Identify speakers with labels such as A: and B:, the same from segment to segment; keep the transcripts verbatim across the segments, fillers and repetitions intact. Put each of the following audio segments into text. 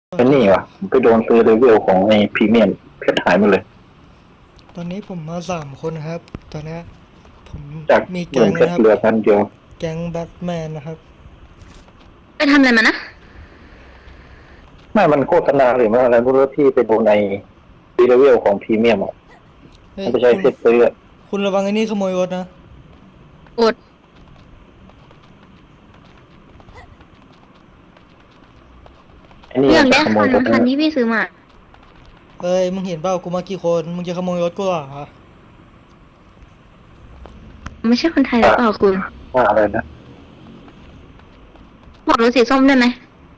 A: เป็นนี่วะผมไปโดนซื้อเลเวลของไอ้พรีเมียมเพชรหายหมดเลย
B: ตอนนี้ผมมาสามคนครับ ตอนนี้ผม
A: จาก
B: มี
A: หมื่
B: แก๊งนะครับ
A: นเพชรเหลือพันเดียว
B: แก๊งแบทแมนนะครับ
C: ไปทำอะไรมานะ
A: ไม่มันโฆษณาหรือว่าอะไรไม่รู้ที่ไปโดนในซีเลเวลของพรีเมียมอ่ะ
B: เฮ้ย
A: มันไปใช้
B: คุณ
A: เพชรซื้ออะ
B: คุณระวังไอ้นี่ขโมยรถนะ
C: อด
A: ไอ้นี่
C: เรื่อง
A: มันจะ
C: ได้
A: ขโม
C: คั
A: ย
C: น
A: รถ
C: คัน
A: นะ
C: ที่พี่ซื้อมา
B: เอ้ยมึงเห็นเปล่ากูมากี่คนมึงจะขโมยรถกูเหรอ
C: ไม่ใช่คนไทยหรือเปล่าคุณ
A: ว่าอะไรนะ
C: บอกรถสีส้มได้ไหม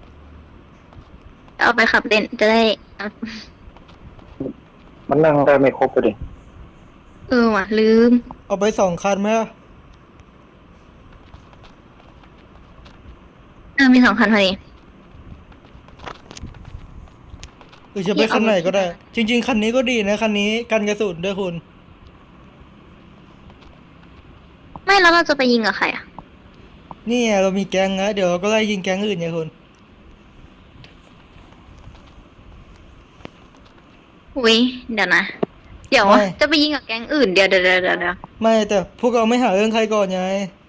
C: เอาไปขับเล่นจะได้เอา
A: มันนั่งได้ไม่ครบเลยดิ
C: เออว่ะลืม
B: เอาไปสองคันไหมล่ะ
C: เออมีสองคันพอดี
B: หรือจะไปคันไหนก็ได้ จริงๆคันนี้ก็ดีนะคันนี้กันกระสุนด้วยคุณ
C: ไม่แล้วเราจะไปยิงกับใครอ่ะ
B: นี่ไงเรามีแก๊งนะเดี๋ยวเราก็ไล่ยิงแก๊งอื่นไงคุณ
C: อุ้ยเดี๋ยวนะเดี๋ยว
B: ไม่
C: จะไปยิงกับแก๊งอื่นเดี๋ยวเดี๋ยวเดี๋ยวเดี๋ยวเดี๋ยว
B: ไม่แต่พวกเราไม่หาเรื่องใครก่อนไง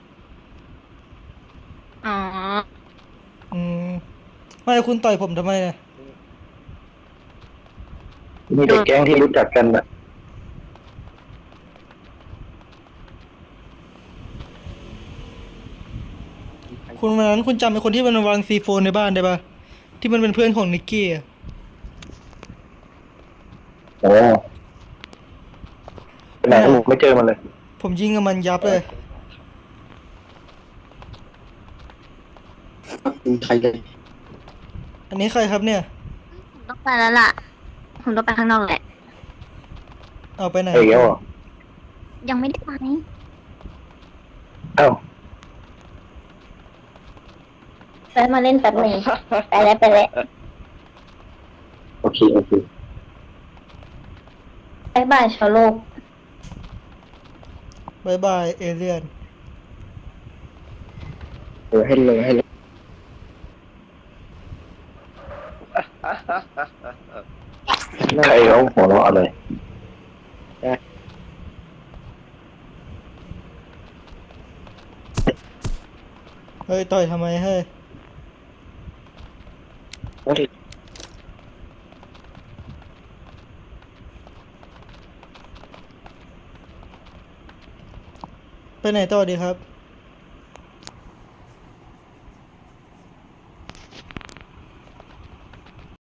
C: อ๋อ
B: อืมไม่คุณต่อยผมทำไมเนี่ย
A: มีแต่แก๊งที่รู้จักกันอะ
B: คุณวันนั้นคุณจำไอ้คนที่มันวางซีโฟนในบ้านได้ปะที่มันเป็นเพื่อนของนิกกี้อะ
A: โอ้ไปไหนลูกไม่เจอมันเลย
B: ผมยิงกับมันยับเลย
A: ใครเลย
B: อันนี้ใครครับเนี่ย
C: ผมต้องไปแล้วล่ะผมต้องไปข้างนอกแหละ
B: เอาไปไหน
A: ไอ้เหี้ยอ่ะ
C: ยังไม่ได้ไป
A: เอ้า
C: ไปมาเล่นแป๊บนึงไปแล้วไปแล้ว
A: โอเคโอเค
C: บายบายชาวโลก
B: บายบายเอเลียน
A: เออให้เลยให้เลยใครเขาหัวเราะอะไร
B: เฮ้ยต่อยทำไมเฮ้ย ไปไหนต่อดีครับ